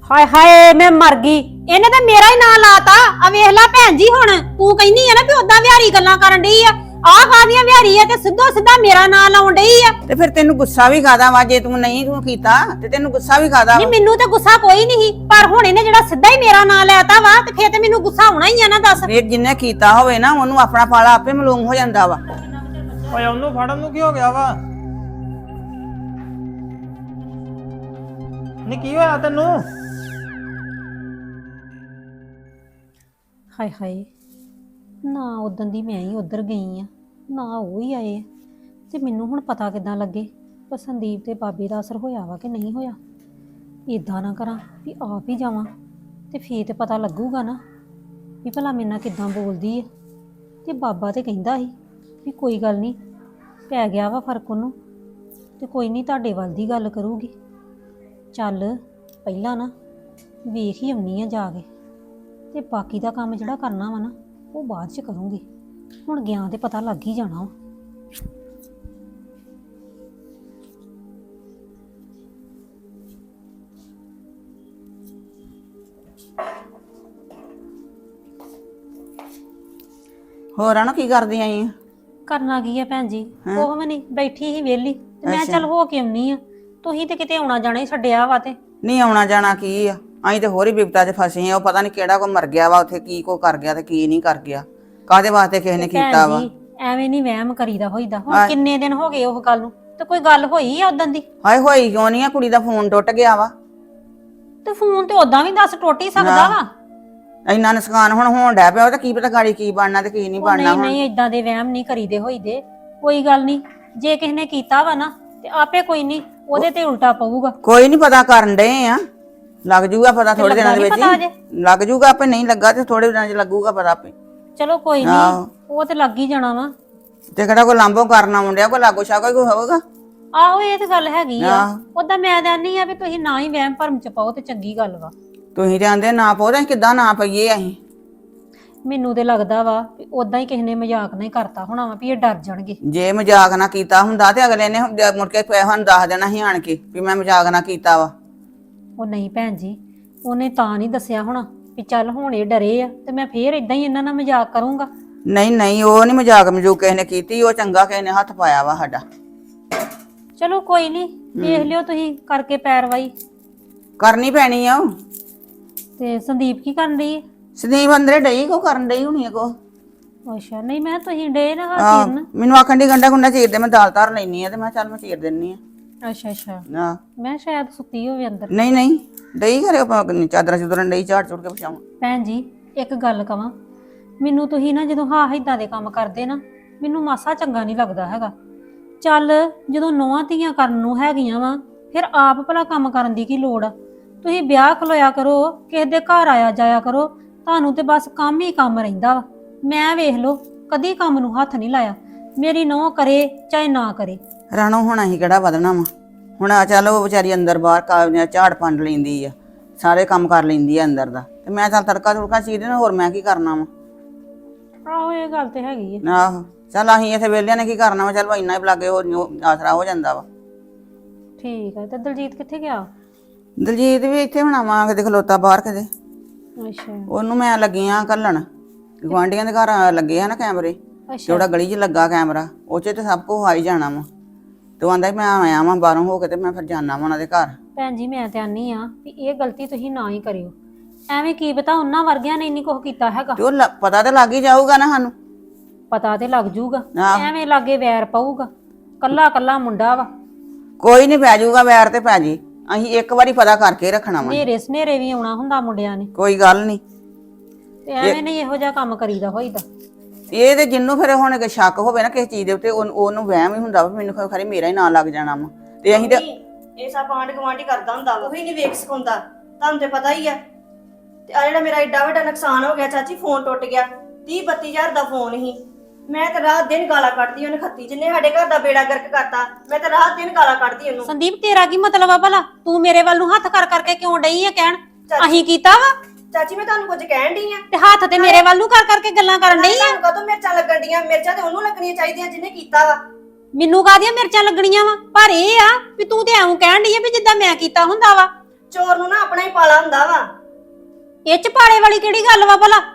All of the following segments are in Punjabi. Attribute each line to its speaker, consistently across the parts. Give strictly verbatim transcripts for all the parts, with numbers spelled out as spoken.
Speaker 1: ਹਾਏ ਹਾਏ ਮੈਂ ਮਰ ਗਈ। ਇਹਨੇ ਤਾਂ ਮੇਰਾ ਹੀ ਨਾਂ ਲਾਤਾ। ਆ ਵੇਖ ਲੈ ਭੈਣ ਜੀ, ਹੁਣ ਤੂੰ ਕਹਿੰਦੀ ਆ ਨਾ ਵੀ ਉਦਾਂ ਵਿਹਾਰੀ ਗੱਲਾਂ ਕਰਨ ਡਈ ਆ। ਆਹ ਕਾਹਦੀਆਂ ਵਿਹਾਰੀ ਆ ਤੇ ਸਿੱਧੋ ਸਿੱਧਾ ਮੇਰਾ ਨਾਂ ਲਾਉਣ ਡਈ ਆ।
Speaker 2: ਤੇ ਫਿਰ ਤੈਨੂੰ ਗੁੱਸਾ ਵੀ ਖਾਦਾ ਵਾ, ਜੇ ਤੂੰ ਨਹੀਂ ਤੂੰ ਕੀਤਾ ਤੇ ਤੈਨੂੰ ਗੁੱਸਾ ਵੀ ਖਾਦਾ।
Speaker 1: ਨਹੀਂ ਮੈਨੂੰ ਤੇ ਗੁੱਸਾ ਕੋਈ ਨਹੀਂ, ਪਰ ਹੁਣ ਇਹਨੇ ਜਿਹੜਾ ਸਿੱਧਾ ਹੀ ਮੇਰਾ ਨਾਂ ਲੈਤਾ ਵਾ ਤੇ ਫੇਰ ਤੇ ਮੈਨੂੰ ਗੁੱਸਾ ਹੋਣਾ ਹੀ ਆ ਨਾ। ਦੱਸ
Speaker 2: ਫਿਰ ਜਿੰਨੇ ਕੀਤਾ ਹੋਵੇ ਨਾ ਉਹਨੂੰ ਆਪਣਾ ਫਲ ਆਪੇ ਮਾਲੂਮ ਹੋ ਜਾਂਦਾ ਵਾ।
Speaker 3: ਓਏ ਉਹਨੂੰ ਫੜਨ ਨੂੰ ਕੀ ਹੋ ਗਿਆ ਵਾ? ਨੀ ਕੀ ਹੋਇਆ ਤੈਨੂੰ?
Speaker 1: ਹਾਏ ਹਾਏ, ਨਾ ਉਦੋਂ ਦੀ ਮੈਂ ਹੀ ਉਧਰ ਗਈ ਆ, ਨਾ ਉਹ ਹੀ ਆਏ ਤੇ ਮੈਨੂੰ ਹੁਣ ਪਤਾ ਕਿੱਦਾਂ ਲੱਗੇ ਕਿ ਸੰਦੀਪ ਤੇ ਬਾਬੇ ਦਾ ਅਸਰ ਹੋਇਆ ਵਾ ਕਿ ਨਹੀਂ ਹੋਇਆ। ਇਦਾਂ ਨਾ ਕਰਾਂ ਵੀ ਆਪ ਹੀ ਜਾਵਾਂ ਤੇ ਫੇਰ ਤੇ ਪਤਾ ਲੱਗੂਗਾ ਨਾ ਵੀ ਭਲਾ ਮੇਰੇ ਨਾਲ ਕਿੱਦਾਂ ਬੋਲਦੀ ਹੈ। ਤੇ ਬਾਬਾ ਤੇ ਕਹਿੰਦਾ ਸੀ ਵੀ ਕੋਈ ਗੱਲ ਨਹੀਂ, ਪੈ ਗਿਆ ਵਾ ਫਰਕ ਉਹਨੂੰ ਤੇ ਕੋਈ ਨਹੀਂ ਤੁਹਾਡੇ ਵੱਲ ਦੀ ਗੱਲ ਕਰੂਗੀ। ਚੱਲ ਪਹਿਲਾਂ ਨਾ ਵੇਖ ਹੀ ਆਉਣੀ ਆ ਜਾ ਕੇ, ਤੇ ਬਾਕੀ ਦਾ ਕੰਮ ਜਿਹੜਾ ਕਰਨਾ ਵਾ ਨਾ ਉਹ ਬਾਅਦ ਚ ਕਰੂੰਗੀ। ਹੁਣ ਗਿਆ ਤੇ ਪਤਾ ਲੱਗ ਹੀ ਜਾਣਾ ਵਾ।
Speaker 2: ਹੋਰ ਆ ਨਾ ਕੀ ਕਰਦੀ ਆਈ ਆ?
Speaker 1: ਕਰਨਾ ਕੀ ਆ ਭੈਣ ਜੀ, ਉਹ ਵੀ ਨਹੀਂ ਬੈਠੀ ਸੀ ਵਿਹਲੀ ਤੇ ਮੈਂ ਚੱਲ ਹੋ ਕੇ ਆਉਣੀ ਆ। ਤੁਸੀਂ ਤੇ ਕਿਤੇ ਆਉਣਾ ਜਾਣਾ ਹੀ ਛੱਡਿਆ ਵਾ। ਤੇ
Speaker 2: ਨਹੀਂ ਆਉਣਾ ਜਾਣਾ ਕੀ ਆ, ਅਸੀਂ ਤੇ ਹੋਰ ਹੀ ਬਿਪਤਾ 'ਚ ਫਸੇ ਆ। ਉਹ ਪਤਾ ਨਹੀਂ ਕਿਹੜਾ ਕੋ ਮਰ ਗਿਆ ਵਾ ਉੱਥੇ, ਕੀ ਕੋ ਕਰ ਗਿਆ ਤੇ ਕੀ ਨਹੀਂ ਕਰ ਗਿਆ, ਕਾਹਦੇ ਵਾਸਤੇ ਕਿਸੇ ਨੇ ਕੀਤਾ ਵਾ।
Speaker 1: ਐਵੇਂ ਨਹੀਂ ਵਹਿਮ ਕਰੀਦਾ ਹੋਈਦਾ। ਹੁਣ ਕਿੰਨੇ ਦਿਨ ਹੋ ਗਏ ਉਹ ਗੱਲ ਨੂੰ, ਤੇ ਕੋਈ ਗੱਲ ਹੋਈ ਆ ਉਦੋਂ ਦੀ?
Speaker 2: ਹਾਏ ਹੋਈ ਕਿਉਂ ਨਹੀਂ ਆ, ਕੁੜੀ ਦਾ ਫੋਨ ਟੁੱਟ ਗਿਆ ਵਾ।
Speaker 1: ਤੇ ਫੋਨ ਤੇ ਉਦਾਂ ਵੀ ਦੱਸ ਟੁੱਟ ਹੀ ਸਕਦਾ ਵਾ।
Speaker 2: ਇੰਨਾ ਨੁਕਸਾਨ ਹੁਣ ਹੋਣ ਡਿਆ ਪਿਆ, ਉਹ ਤਾਂ ਕੀ ਪਤਾ ਗਾੜੀ ਕੀ ਬਣਨਾ ਤੇ ਕੀ ਨਹੀਂ ਬਣਨਾ।
Speaker 1: ਨਹੀਂ ਨਹੀਂ ਇਦਾਂ ਦੇ ਵਹਿਮ ਨਹੀਂ ਕਰੀਦੇ ਹੋਈਦੇ। ਕੋਈ ਗੱਲ ਨਹੀਂ, ਜੇ ਕਿਸੇ ਨੇ ਕੀਤਾ ਵਾ ਨਾ ਤੇ ਆਪੇ ਕੋਈ ਨਹੀਂ ਉਹਦੇ ਤੇ ਉਲਟਾ ਪਊਗਾ।
Speaker 2: ਕੋਈ ਨਹੀਂ ਪਤਾ ਕਰਨ ਡਏ ਆ, ਲੱਗ ਜੂਗਾ ਪਤਾ ਥੋੜੇ ਦਿਨਾਂ ਦੇ ਵਿੱਚ ਹੀ ਲੱਗ ਜੂਗਾ ਆਪੇ। ਨਹੀਂ ਲੱਗਾ ਤੇ ਥੋੜੇ ਦਿਨਾਂ 'ਚ ਲੱਗੂਗਾ ਪਤਾ ਆਪੇ।
Speaker 1: ਚਲੋ ਕੋਈ ਨਹੀਂ, ਉਹ ਤੇ ਲੱਗ ਹੀ ਜਾਣਾ ਵਾ।
Speaker 2: ਤੇ ਕਿਹੜਾ ਕੋਈ ਲਾਂਭੋ ਕਰਨਾ ਮੁੰਡਿਆ, ਕੋਈ ਲਾਗੋ ਛਾਗੋ ਕੋਈ ਹੋਵੇਗਾ।
Speaker 1: ਆਹੋ ਇਹ ਤੇ ਗੱਲ ਹੈਗੀ ਆ। ਉਦਾਂ ਮੈਂ ਕਹਿੰਦੀ ਆ ਵੀ ਤੁਸੀਂ ਨਾ ਹੀ ਵਹਿਮ ਭਰਮ ਚ ਪਾਓ ਤੇ ਚੰਗੀ ਗੱਲ ਵਾ।
Speaker 2: ਤੁਸੀਂ ਜਾਂਦੇ ਨਾ ਪਾਓ ਤਾਂ ਕਿੱਦਾਂ ਨਾ ਪਈਏ ਅਸੀਂ?
Speaker 1: ਮੈਨੂੰ ਤੇ ਲੱਗਦਾ ਵਾ ਵੀ ਉਦਾਂ ਹੀ ਕਿਸੇ ਨੇ ਮਜ਼ਾਕ ਨਹੀਂ ਕਰਤਾ ਹੋਣਾ ਵਾ ਵੀ ਇਹ ਡਰ ਜਾਣਗੇ।
Speaker 2: ਜੇ ਮਜ਼ਾਕ ਨਾ ਕੀਤਾ ਹੁੰਦਾ ਤੇ ਅਗਲੇ ਨੇ ਮੁੜ ਕੇ ਸਾਨੂੰ ਦੱਸ ਦੇਣਾ ਸੀ ਆਣ ਕੇ ਵੀ ਮੈਂ ਮਜ਼ਾਕ ਨਾ ਕੀਤਾ ਵਾ।
Speaker 1: ਉਹ ਨਹੀਂ ਭੈਣ ਜੀ, ਉਹਨੇ ਤਾਂ ਨਹੀਂ ਦੱਸਿਆ ਹੋਣਾ ਵੀ ਚੱਲ ਹੁਣ ਇਹ ਡਰੇ ਆ ਤੇ ਮੈਂ ਫੇਰ ਇਦਾਂ ਹੀ ਇਹਨਾਂ ਨਾਲ ਮਜ਼ਾਕ ਕਰੂੰਗਾ।
Speaker 2: ਨਹੀਂ ਨਹੀਂ, ਉਹ ਨਹੀਂ ਮਜ਼ਾਕ ਮਜੂਕ ਕਿਸੇ ਨੇ ਕੀਤੀ, ਉਹ ਚੰਗਾ ਕਿਸੇ ਨੇ ਹੱਥ ਪਾਇਆ ਵਾ ਸਾਡਾ।
Speaker 1: ਚਲੋ ਕੋਈ ਨਹੀਂ, ਦੇਖ ਲਿਓ ਤੁਸੀਂ ਕਰਕੇ ਪੈਰਵਾਈ
Speaker 2: ਕਰਨੀ ਪੈਣੀ ਆ। ਉਹ
Speaker 1: ਤੇ ਸੰਦੀਪ ਕੀ ਕਰਨ ਰਹੀ ਹੈ?
Speaker 2: ਸੰਦੀਪ ਅੰਦਰੇ ਡਈ ਕੋ ਕਰਨ ਡਈ ਹੋਣੀ ਕੋ।
Speaker 1: ਅੱਛਾ, ਨਹੀਂ ਮੈਂ ਤੁਸੀਂ ਡੇ ਨਾ ਹਾਂ ਚੀਰਨ।
Speaker 2: ਮੈਨੂੰ ਆਖਣ ਦੀ ਗੰਡਾ ਗੁੰਡਾ ਚੀਰ ਦੇ, ਮੈਂ ਦਾਲ ਧਰ ਲੈਣੀ ਆ ਤੇ ਮੈਂ ਚੱਲ ਮੈਂ ਚੀਰ ਦਿੰਨੀ ਆ।
Speaker 1: ਅੱਛਾ ਅੱਛਾ,
Speaker 2: ਹਾਂ
Speaker 1: ਮੈਂ ਸ਼ਾਇਦ ਸੁੱਤੀ ਹੋਵੇ ਅੰਦਰ।
Speaker 2: ਨਹੀਂ ਨਹੀਂ, ਡਈ ਘਰੇ ਚਾਦਰਾਂ ਚੁਦਰਾਂ ਡਈ ਝਾੜ ਚੁੜ ਕੇ ਪਛਾਉਂ।
Speaker 1: ਭੈਣ ਜੀ ਇੱਕ ਗੱਲ ਕਵਾਂ, ਮੈਨੂੰ ਤੁਸੀਂ ਨਾ ਜਦੋਂ ਹਾਂ ਇਦਾਂ ਦੇ ਕੰਮ ਕਰਦੇ ਨਾ ਮੈਨੂੰ ਮਾਸਾ ਚੰਗਾ ਨਹੀਂ ਲੱਗਦਾ ਹੈਗਾ। ਚੱਲ ਜਦੋਂ ਨੌਵਾਂ ਧੀਆਂ ਕਰਨ ਨੂੰ ਹੈਗੀਆਂ ਵਾ ਫਿਰ ਆਪ ਭਲਾ ਕੰਮ ਕਰਨ ਦੀ ਕੀ ਲੋੜ ਆ? ਤੁਸੀਂ ਵਿਆਹ ਖਲੋਇਆ ਕਰੋ, ਕਿਸੇ ਦੇ ਘਰ ਆਇਆ ਜਾਇਆ ਕਰੋ, ਤੁਹਾਨੂੰ ਤੇ ਬਸ ਕੰਮ ਹੀ ਕੰਮ ਰਹਿੰਦਾ ਵਾ। ਮੈਂ ਵੇਖ ਲਓ ਕਦੀ ਕੰਮ ਨੂੰ ਹੱਥ ਨਹੀਂ ਲਾਇਆ। ਮੇਰੀ ਨੌਂ ਕਰੇ ਚਾਹੇ ਨਾ ਕਰੇ।
Speaker 2: ਰਾਣੋ ਹੁਣ ਅਸੀਂ ਕਿਹੜਾ ਵਧਣਾ ਵਾ? ਹੁਣ ਆ ਚੱਲ ਉਹ ਵਿਚਾਰੀ ਅੰਦਰ ਬਾਹਰ ਕਾਬਲੀਆਂ ਝਾੜ ਪੰਡ ਲੈਂਦੀ ਆ, ਸਾਰੇ ਕੰਮ ਕਰ ਲੈਂਦੀ ਆ ਅੰਦਰ ਦਾ, ਤੇ ਮੈਂ ਚੱਲ ਤੜਕਾ ਤੁੜਕਾ ਚੀਰ ਦੇਣਾ, ਹੋਰ ਮੈਂ ਕੀ ਕਰਨਾ ਵਾ?
Speaker 1: ਆਹੋ ਇਹ ਗੱਲ ਤੇ ਹੈਗੀ ਆ।
Speaker 2: ਆਹੋ ਚੱਲ ਅਸੀਂ ਇੱਥੇ ਵਿਹਲਿਆਂ ਨੇ ਕੀ ਕਰਨਾ ਵਾ? ਚੱਲ ਇੰਨਾ ਹੀ ਲਾਗੇ ਹੋਰ ਆਸਰਾ ਹੋ ਜਾਂਦਾ ਵਾ।
Speaker 1: ਠੀਕ ਆ। ਤੇ ਦਲਜੀਤ ਕਿੱਥੇ ਗਿਆ?
Speaker 2: ਦਲਜੀਤ ਵੀ ਇੱਥੇ ਹੋਣਾ ਵਾ ਕਿਤੇ ਖਲੋਤਾ ਬਾਹਰ ਕਿਤੇ।
Speaker 1: ਅੱਛਾ
Speaker 2: ਉਹਨੂੰ ਮੈਂ ਲੱਗੀ ਆ ਘੱਲਣ, ਗੁਆਂਢੀਆਂ ਦੇ ਘਰ ਲੱਗੇ ਆ ਨਾ ਕੈਮਰੇ, ਜਿਹੜਾ ਗਲੀ 'ਚ ਲੱਗਾ ਕੈਮਰਾ ਉਹ 'ਚ ਤੇ ਸਭ ਕੁਝ ਆ ਹੀ ਜਾਣਾ ਵਾ। ਤੇ ਉਹ ਆਂਦਾ ਮੈਂ ਆਇਆ ਵਾਂ ਬਾਹਰੋਂ ਹੋ ਕੇ ਤੇ ਮੈਂ ਫਿਰ ਜਾਣਾ ਵਾ ਉਹਨਾਂ ਦੇ ਘਰ।
Speaker 1: ਭੈਣ ਜੀ ਮੈਂ ਤੇ ਆਨੀ ਆ ਵੀ ਇਹ ਗਲਤੀ ਤੁਸੀਂ ਨਾ ਹੀ ਕਰਿਓ। ਐਵੇਂ ਕੀ ਪਤਾ ਉਹਨਾਂ ਵਰਗਿਆਂ ਨੇ ਇੰਨੀ ਕੁਝ ਕੀਤਾ ਹੈਗਾ।
Speaker 2: ਤੇ ਉਹ ਪਤਾ ਤੇ ਲੱਗ ਹੀ ਜਾਊਗਾ ਨਾ ਸਾਨੂੰ।
Speaker 1: ਪਤਾ ਤੇ ਲੱਗ ਜੂਗਾ, ਐਵੇਂ ਲਾਗੇ ਵੈਰ ਪਊਗਾ। ਕੱਲਾ ਕੱਲਾ ਮੁੰਡਾ ਵਾ।
Speaker 2: ਕੋਈ ਨਹੀਂ ਪੈ ਜਾਊਗਾ ਵੈਰ ਤੇ ਪੈ ਜੀ, ਅਸੀਂ ਇੱਕ ਵਾਰੀ ਪਤਾ ਕਰਕੇ ਰੱਖਣਾ ਵਾ।
Speaker 1: ਨੇਰੇ ਸਨੇਰੇ ਵੀ ਆਉਣਾ ਹੁੰਦਾ ਮੁੰਡਿਆਂ ਨੇ।
Speaker 2: ਕੋਈ ਗੱਲ ਨਹੀਂ,
Speaker 1: ਤੇ ਐਵੇਂ ਨਹੀਂ ਇਹੋ ਜਿਹਾ ਕੰਮ ਕਰੀਦਾ ਹੋਈਦਾ।
Speaker 2: ਇਹ ਤੇ ਜਿੰਨੂੰ ਫਿਰ ਹੁਣ ਕਿ ਸ਼ੱਕ ਹੋਵੇ ਨਾ ਕਿਸੇ ਚੀਜ਼ ਦੇ ਉੱਤੇ ਉਹਨੂੰ ਵਹਿਮ ਹੀ ਹੁੰਦਾ ਵਾ ਮੈਨੂੰ ਖਰੇ ਮੇਰਾ ਹੀ ਨਾਂ ਲੱਗ ਜਾਣਾ ਵਾ। ਤੇ ਅਸੀਂ ਤੇ
Speaker 4: ਇਹ ਸਭ ਆਂਢ ਗੁਆਂਢੀ ਕਰਦਾ ਹੁੰਦਾ ਵਾ, ਉਹੀ ਨਹੀਂ ਵੇਖ ਸਿਖਾਉਂਦਾ। ਤੁਹਾਨੂੰ ਤੇ ਪਤਾ ਹੀ ਆ। ਤੇ ਆ ਜਿਹੜਾ ਮੇਰਾ ਏਡਾ ਵੱਡਾ ਨੁਕਸਾਨ ਹੋ ਗਿਆ ਚਾਚੀ, ਫੋਨ ਟੁੱਟ ਗਿਆ। ਤੀਹ ਬੱਤੀ ਹਜ਼ਾਰ ਦਾ ਫੋਨ ਸੀ। ਮੈਂ ਤਾਂ ਰਾਤ ਦਿਨ ਗਾਲਾਂ ਕੱਢਦੀ ਉਹਨੇ ਖੱਤੀ, ਜਿੰਨੇ ਸਾਡੇ ਘਰ ਦਾ ਬੇੜਾ ਗਰਕ ਕਰਤਾ। ਮੈਂ ਤਾਂ ਰਾਤ ਦਿਨ ਗਾਲਾਂ ਕੱਢਦੀ ਉਹਨੂੰ।
Speaker 1: ਸੰਦੀਪ ਤੇਰਾ ਕੀ ਮਤਲਬ ਆ ਭਲਾ? ਤੂੰ ਮੇਰੇ ਵੱਲ ਨੂੰ ਹੱਥ ਕਰ ਕਰਕੇ ਕਿਉਂ ਡਈ ਆ ਕਹਿਣ ਅਸੀਂ ਕੀਤਾ ਵਾ?
Speaker 4: ਚਾਚੀ ਮੈਂ ਤੁਹਾਨੂੰ ਕੁਝ ਕਹਿਣ ਡਈ ਆ
Speaker 1: ਤੇ ਹੱਥ ਤੇ ਮੇਰੇ ਵੱਲ ਨੂੰ ਕਰ ਕਰਕੇ ਗੱਲਾਂ ਕਰਨ ਡਈ ਆ।
Speaker 4: ਤੁਹਾਨੂੰ ਕਦੋਂ ਮਿਰਚਾਂ ਲੱਗਣ ਡੀਆਂ? ਮਿਰਚਾਂ ਤੇ ਉਹਨੂੰ ਲੱਗਣੀਆਂ ਚਾਹੀਦੀਆਂ ਜਿਹਨੇ ਕੀਤਾ ਵਾ।
Speaker 1: ਮੈਨੂੰ ਕਾਹਦੀਆਂ ਮਿਰਚਾਂ ਲੱਗਣੀਆਂ ਵਾ? ਪਰ ਇਹ ਆ ਵੀ ਤੂੰ ਤੇ ਐਂ ਕਹਿਣ ਡਈ ਆ ਵੀ ਜਿੱਦਾਂ ਮੈਂ ਕੀਤਾ ਹੁੰਦਾ ਵਾ।
Speaker 4: ਚੋਰ ਨੂੰ ਨਾ ਆਪਣਾ ਹੀ ਪਾਲਾ ਹੁੰਦਾ ਵਾ।
Speaker 1: ਇਹ ਚ ਪਾੜੇ ਵਾਲੀ ਕਿਹੜੀ ਗੱਲ ਵਾ ਭਲਾ?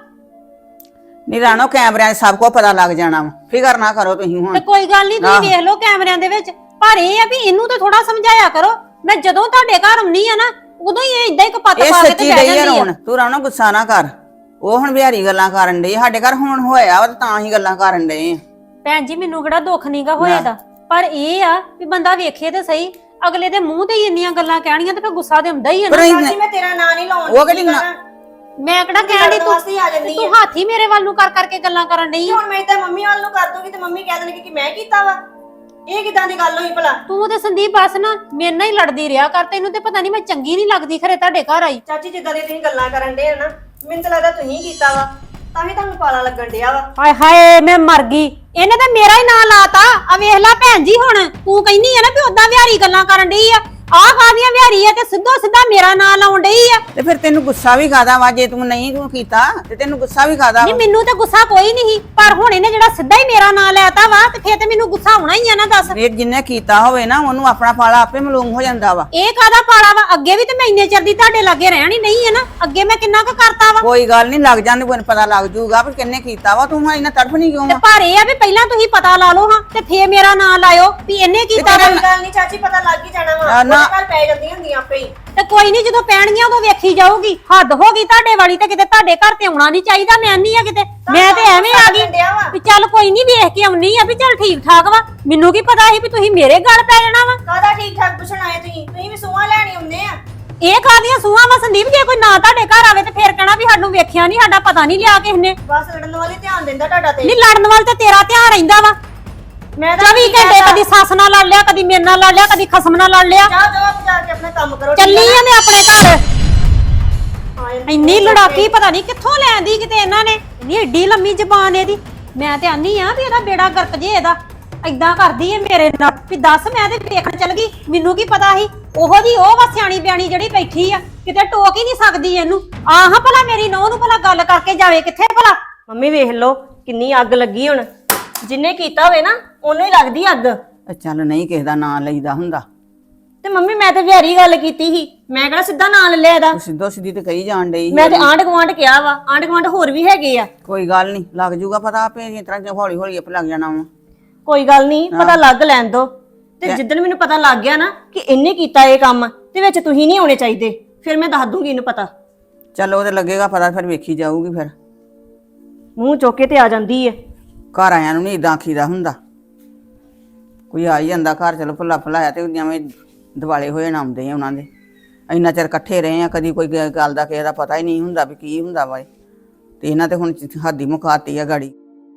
Speaker 2: ਨਹੀਂ ਰਾਣੋ ਕੈਮਰਿਆਂ 'ਚ ਸਭ ਕੁਝ ਪਤਾ ਲੱਗ ਜਾਣਾ ਵਾ, ਫਿਕਰ ਨਾ ਕਰੋ ਤੁਸੀਂ
Speaker 1: ਤੇ
Speaker 2: ਹੁਣ।
Speaker 1: ਕੋਈ ਗੱਲ ਨਹੀਂ, ਤੁਸੀਂ ਵੇਖ ਲਓ ਕੈਮਰਿਆਂ ਦੇ ਵਿੱਚ। ਪਰ ਇਹ ਆ ਵੀ ਇਹਨੂੰ ਤਾਂ ਥੋੜਾ ਸਮਝਾਇਆ ਕਰੋ। ਮੈਂ ਜਦੋਂ ਤੁਹਾਡੇ ਘਰ ਆਉਣੀ ਆ ਨਾ ਉਦੋਂ ਹੀ ਇਹ ਇਦਾਂ ਹੀ ਕਪੱਤ
Speaker 2: ਇਹ
Speaker 1: ਪਾ ਕੇ ਤੇ
Speaker 2: ਸੱਚੀ
Speaker 1: ਬਹਿ
Speaker 2: ਡਈ ਆ
Speaker 1: ਜਾਂਦੀ ਆ।
Speaker 2: ਰੋਣ, ਤੂੰ ਰਾਣੋ ਗੁੱਸਾ ਨਾ ਕਰ। ਉਹ ਹੁਣ ਬਿਹਾਰੀ ਗੱਲਾਂ ਕਰਨ ਡਈ, ਸਾਡੇ ਘਰ ਹੁਣ ਹੋਇਆ ਵਾ ਤੇ ਤਾਂ ਹੀ ਗੱਲਾਂ ਕਰਨ ਡਏ ਆ।
Speaker 1: ਭੈਣ ਜੀ ਮੈਨੂੰ ਕਿਹੜਾ ਦੁੱਖ ਨਹੀਂਗਾ ਹੋਇਆ ਦਾ, ਪਰ ਇਹ ਆ ਵੀ ਬੰਦਾ ਵੇਖੇ ਤੇ ਸਹੀ, ਅਗਲੇ ਦੇ ਮੂੰਹ ਤੇ ਹੀ ਇੰਨੀਆਂ ਗੱਲਾਂ ਕਹਿਣੀਆਂ ਤੇ ਫਿਰ ਗੁੱਸਾ ਤੇ ਹੁੰਦਾ ਹੀ ਆ ਨਾ।
Speaker 2: ਪਰ ਇਹ-
Speaker 4: ਚਾਚੀ ਮੈਂ ਤੇਰਾ ਨਾਂ ਨਹੀਂ ਲਾਉਣ
Speaker 2: ਉਹ ਕਿਹੜੀ ਨਾ-
Speaker 1: ਮੈਂ ਕਿਹੜਾ ਕਹਿਣ ਡਈ
Speaker 4: ਵਾਸਤੇ ਹੀ ਆ ਜਾਂਦੀ
Speaker 1: ਤੂੰ ਤੂੰ ਹੱਥ ਹੀ ਮੇਰੇ ਵੱਲ ਨੂੰ ਕਰ ਕਰਕੇ ਗੱਲਾਂ ਕਰਨ ਡਈ ਆ।
Speaker 4: ਹੁਣ ਮੈਂ ਤਾਂ ਮੰਮੀ ਵੱਲ ਨੂੰ ਕਰ ਦੂੰਗੀ ਤੇ ਮੰਮੀ ਕਹਿ ਦੇਣਗੇ ਕਿ ਮੈਂ ਕੀਤਾ ਵਾ। ਇਹ ਕਿਦਾਂ ਦੀ ਗੱਲ ਹੋਈ ਭਲਾ?
Speaker 1: ਤੂੰ ਤੇ ਸੰਦੀਪ ਬਸ ਨਾ ਮੇਰੇ ਨਾਲ ਹੀ ਲੜਦੀ ਰਿਹਾ ਕਰ, ਤੈਨੂੰ ਤੇ ਪਤਾ ਨਹੀਂ ਮੈਂ ਚੰਗੀ ਨਹੀਂ ਲੱਗਦੀ ਖਰੇ ਤੁਹਾਡੇ ਘਰ ਆਈ।
Speaker 4: ਚਾਚੀ ਜਿੱਦਾਂ ਦੀ ਤੁਸੀਂ ਗੱਲਾਂ ਕਰਨ ਡੇ ਨਾ, ਮੈਨੂੰ ਤਾਂ ਲੱਗਦਾ ਤੁਸੀਂ ਕੀਤਾ ਵਾ, ਤਾਂ ਹੀ ਤੁਹਾਨੂੰ ਪਾਲਾ ਲੱਗਣ ਡਿਆ ਵਾ।
Speaker 1: ਹਾਏ ਹਾਏ ਮੈਂ ਮਰ ਗਈ, ਇਹਨੇ ਤਾਂ ਮੇਰਾ ਹੀ ਨਾਂ ਲਾਤਾ। ਆ ਵੇਖ ਲੈ ਭੈਣ ਜੀ, ਹੁਣ ਤੂੰ ਕਹਿੰਦੀ ਆ ਨਾ ਵੀ ਉਦਾਂ ਵਿਹਾਰੀ ਗੱਲਾਂ ਕਰਨ ਡਈ ਆ, ਆਹ ਕਾਹਦੀਆਂ ਵਿਹਾਰੀ ਆ ਤੇ ਸਿੱਧੋ ਸਿੱਧਾ ਮੇਰਾ ਨਾਂ ਲਾਉਣ ਡਈ ਆ।
Speaker 2: ਤੇ ਫਿਰ ਤੈਨੂੰ ਗੁੱਸਾ ਵੀ ਕਾਦਾ ਵਾ? ਜੇ ਤੂੰ ਨਹੀਂ ਤੂੰ ਕੀਤਾ ਤੇ ਤੈਨੂੰ ਗੁੱਸਾ ਵੀ ਕਾਦਾ
Speaker 1: ਨਹੀਂ
Speaker 2: ਵਾ?
Speaker 1: ਮੈਨੂੰ ਤੇ ਗੁੱਸਾ ਕੋਈ ਨਹੀਂ, ਪਰ ਹੁਣ ਇਹਨੇ ਜਿਹੜਾ ਸਿੱਧਾ ਹੀ ਮੇਰਾ ਨਾਂ ਲੈਤਾ ਵਾ ਤੇ ਫੇਰ ਤੇ ਮੈਨੂੰ ਗੁੱਸਾ ਆਉਣਾ ਹੀ ਆ ਨਾ। ਦੱਸ
Speaker 2: ਇਹ ਜਿੰਨੇ ਕੀਤਾ ਹੋਵੇ ਨਾ ਉਹਨੂੰ ਆਪਣਾ ਪਾਲਾ ਆਪੇ ਮਾਲੂਮ ਹੋ ਜਾਂਦਾ ਵਾ।
Speaker 1: ਇਹ ਕਾਹਦਾ ਪਾਲਾ ਵਾ? ਅੱਗੇ ਵੀ ਤੇ ਮੈਂ ਇੰਨੇ ਚਿਰ ਦੀ ਤੁਹਾਡੇ ਲਾਗੇ ਰਹਿਣੀ ਨਹੀਂ ਹੈ ਨਾ, ਅੱਗੇ ਮੈਂ ਕਿੰਨਾ ਕੁ ਕਰਤਾ ਵਾ।
Speaker 2: ਕੋਈ ਗੱਲ ਨਹੀਂ, ਲੱਗ ਜਾਂਦੇ ਕੋਈ ਪਤਾ ਲੱਗ ਜੂਗਾ ਵੀ ਕਿੰਨੇ ਕੀਤਾ ਵਾ। ਤੂੰ ਹੁਣ ਇੰਨਾ ਤੜਫ ਨਹੀਂ ਕਿਉਂ
Speaker 1: ਤੇ
Speaker 2: ਵਾ?
Speaker 1: ਪਰ ਇਹ ਆ ਵੀ ਪਹਿਲਾਂ ਤੁਸੀਂ ਪਤਾ ਲਾ ਲਓ ਹਾਂ ਤੇ ਫੇਰ ਮੇਰਾ ਨਾਂ ਲਾਇਓ ਵੀ ਇਹਨੇ ਕੀਤਾ ਵਾ।
Speaker 4: ਕੋਈ ਗੱਲ ਨਹੀਂ ਚਾਚੀ, ਪਤਾ ਲੱਗ ਹੀ ਜਾਣਾ ਵਾ।
Speaker 2: ਨਾ-
Speaker 4: ਉਹਦੇ ਘਰ ਪੈ ਜਾਂਦੀਆਂ ਹੁੰਦੀਆਂ ਆਪੇ ਹੀ।
Speaker 1: ਤੇ ਕੋਈ ਨਹੀਂ, ਜਦੋਂ ਪੈਣਗੀਆਂ ਉਦੋਂ ਵੇਖੀ ਜਾਊਗੀ। ਹੱਦ ਹੋ ਗਈ ਤੁਹਾਡੇ ਵਾਲੀ, ਤੇ ਕਿਤੇ ਤੁਹਾਡੇ ਘਰ ਤੇ ਆਉਣਾ ਨਹੀਂ ਚਾਹੀਦਾ। ਮੈਂ ਨਹੀਂ ਆ ਕਿਤੇ, ਮੈਂ ਤੇ ਐਵੇਂ ਆ ਗਈ
Speaker 4: ਡਿਆ ਵਾ।
Speaker 1: ਵੀ ਚੱਲ ਕੋਈ ਨਹੀਂ ਵੇਖ ਕੇ ਆਉਣੀ ਆ ਵੀ ਚੱਲ ਠੀਕ ਠਾਕ ਵਾ। ਮੈਨੂੰ ਕੀ ਪਤਾ ਸੀ ਵੀ ਤੁਸੀਂ ਮੇਰੇ ਗਲ ਪੈ ਜਾਣਾ ਵਾ।
Speaker 4: ਕਾਹਦਾ ਠੀਕ ਠਾਕ ਪੁੱਛਣ ਆਏ ਤੁਸੀਂ? ਤੁਸੀਂ ਵੀ ਸੂਹਾਂ ਲੈਣੀ ਹੁੰਦੇ ਆ।
Speaker 1: ਇਹ ਕਾਹਦੀਆਂ ਸੂਹਾਂ ਵਾ ਸੰਦੀਪ? ਜੇ ਕੋਈ ਨਾ ਤੁਹਾਡੇ ਘਰ ਆਵੇ ਤੇ ਫੇਰ ਕਹਿਣਾ ਵੀ ਸਾਨੂੰ ਵੇਖਿਆ ਨਹੀਂ, ਸਾਡਾ ਪਤਾ ਨਹੀਂ ਲਿਆ ਕਿਸ ਨੇ।
Speaker 4: ਬਸ ਲੜਨ ਵਾਲੇ ਧਿਆਨ ਦਿੰਦਾ ਤੁਹਾਡਾ ਤੇ।
Speaker 1: ਨਹੀਂ ਲੜਨ ਵਾਲ ਤੇ ਤੇਰਾ ਧਿਆਨ ਰਹਿੰਦਾ ਵਾ।
Speaker 4: ਮੈਂ ਤਾਂ
Speaker 1: ਚੌਵੀ ਘੰਟੇ ਕਦੀ ਸੱਸ ਨਾਲ ਲੜ ਲਿਆ, ਕਦੀ ਮੇਰੇ ਨਾਲ ਲੜ ਲਿਆ, ਕਦੀ ਖਸਮ ਨਾਲ ਲੜ ਲਿਆ।
Speaker 4: ਜਾ ਜਾ ਆਪ ਜਾ ਕੇ ਆਪਣਾ ਕੰਮ ਕਰੋ।
Speaker 1: ਚੱਲੀ ਆ ਮੈਂ ਆਪਣੇ ਘਰ।
Speaker 4: ਹਾਂ,
Speaker 1: ਇੰਨੀ ਲੜਾਕੀ ਪਤਾ ਨਹੀਂ ਕਿੱਥੋਂ ਲੈਂਦੀ ਕਿਤੇ ਇਹਨਾਂ ਨੇ, ਇੰਨੀ ਏਡੀ ਲੰਮੀ ਜ਼ਬਾਨ ਇਹਦੀ। ਮੈਂ ਤੇ ਆਨੀ ਆ ਵੀ ਇਹਦਾ ਬੇੜਾ ਗਰਕ ਜੇ ਇਹਦਾ। ਏਦਾਂ ਕਰਦੀ ਏ ਮੇਰੇ ਨਾਲ ਵੀ ਦੱਸ, ਮੈਂ ਤੇ ਵੇਖਣ ਚਲ ਗਈ, ਮੈਨੂੰ ਕੀ ਪਤਾ ਸੀ। ਉਹੋ ਜੀ ਉਹ ਵਾ ਸਿਆਣੀ ਬਿਆਣੀ ਜਿਹੜੀ ਬੈਠੀ ਆ, ਕਿਤੇ ਟੋਕ ਹੀ ਨਹੀਂ ਸਕਦੀ ਇਹਨੂੰ। ਆਹ ਭਲਾ ਮੇਰੀ ਨੌਂ ਨੂੰ ਭਲਾ ਗੱਲ ਕਰਕੇ ਜਾਵੇ ਕਿੱਥੇ ਭਲਾ।
Speaker 4: ਮੰਮੀ ਵੇਖ ਲਓ ਕਿੰਨੀ ਅੱਗ ਲੱਗੀ ਹੁਣ। ਜਿੰਨੇ ਕੀਤਾ ਹੋਵੇ ਨਾ ਉਹਨੂੰ ਹੀ ਲੱਗਦੀ ਅੱਗ।
Speaker 2: ਚੱਲ ਨਹੀਂ ਕਿਸੇ ਦਾ ਨਾਂ ਲਈਦਾ ਹੁੰਦਾ।
Speaker 4: ਤੇ ਮੰਮੀ ਮੈਂ ਤੇ ਵਿਹਾਰੀ ਗੱਲ ਕੀਤੀ ਸੀ, ਮੈਂ ਕਿਹੜਾ ਸਿੱਧਾ ਨਾਂ ਲੈ ਲਿਆ ਇਹਦਾ।
Speaker 2: ਤੂੰ ਸਿੱਧੋ ਸਿੱਧੀ ਤੇ ਕਹੀ ਜਾਣ ਡਈ ਸੀ।
Speaker 4: ਮੈਂ ਤੇ ਆਂਢ ਗੁਆਂਢ ਕਿਹਾ ਵਾ, ਆਂਢ ਗੁਆਂਢ ਹੋਰ ਵੀ ਹੈਗੇ ਆ।
Speaker 2: ਕੋਈ ਗੱਲ ਨਹੀਂ, ਲੱਗ ਜੂਗਾ ਪਤਾ ਆਪੇ। ਇਸ ਤਰ੍ਹਾਂ ਹੌਲੀ ਹੌਲੀ ਆਪੇ ਲੱਗ ਜਾਣਾ ਵਾ।
Speaker 4: ਕੋਈ ਗੱਲ ਨਹੀਂ, ਪਤਾ ਲੱਗ ਲੈਣ ਦੋ। ਤੇ ਜਿੱਦਣ ਮੈਨੂੰ ਪਤਾ ਲੱਗ ਗਿਆ ਨਾ ਕਿ ਇਹਨੇ ਕੀਤਾ ਇਹ ਕੰਮ ਤੇ ਵਿੱਚ ਤੁਸੀਂ ਨਹੀਂ ਆਉਣੇ ਚਾਹੀਦੇ, ਫਿਰ ਮੈਂ ਦੱਸ ਦੂੰਗੀ ਇਹਨੂੰ ਪਤਾ।
Speaker 2: ਚੱਲ ਉਹ ਤੇ ਲੱਗੇਗਾ ਪਤਾ, ਫਿਰ ਵੇਖੀ ਜਾਊਗੀ। ਫਿਰ
Speaker 4: ਮੂੰਹ ਚੁੱਕ ਕੇ ਤੇ ਆ ਜਾਂਦੀ ਏ।
Speaker 2: ਘਰ ਆਇਆਂ ਨੂੰ ਨਹੀਂ ਇਦਾਂ ਆਖੀਦਾ ਹੁੰਦਾ। ਕੋਈ ਆ ਹੀ ਜਾਂਦਾ ਘਰ, ਚਲੋ ਭੁੱਲਾ ਭੁਲਾਇਆ ਤੇ ਜਿਵੇਂ ਦਿਵਾਲੇ ਹੋਏ ਨਾ ਆਉਂਦੇ ਆ ਉਹਨਾਂ ਦੇ। ਇੰਨਾ ਚਿਰ ਇਕੱਠੇ ਰਹੇ ਆ, ਕਦੀ ਕੋਈ ਗ- ਗੱਲ ਦਾ ਕਿਸੇ ਦਾ ਪਤਾ ਹੀ ਨਹੀਂ ਹੁੰਦਾ ਵੀ ਕੀ ਹੁੰਦਾ ਵਾ। ਤੇ ਇਹਨਾਂ ਤੇ ਹੁਣ ਹੱਦ ਹੀ ਮੁਕਾਤੀ ਆ ਗਾੜੀ।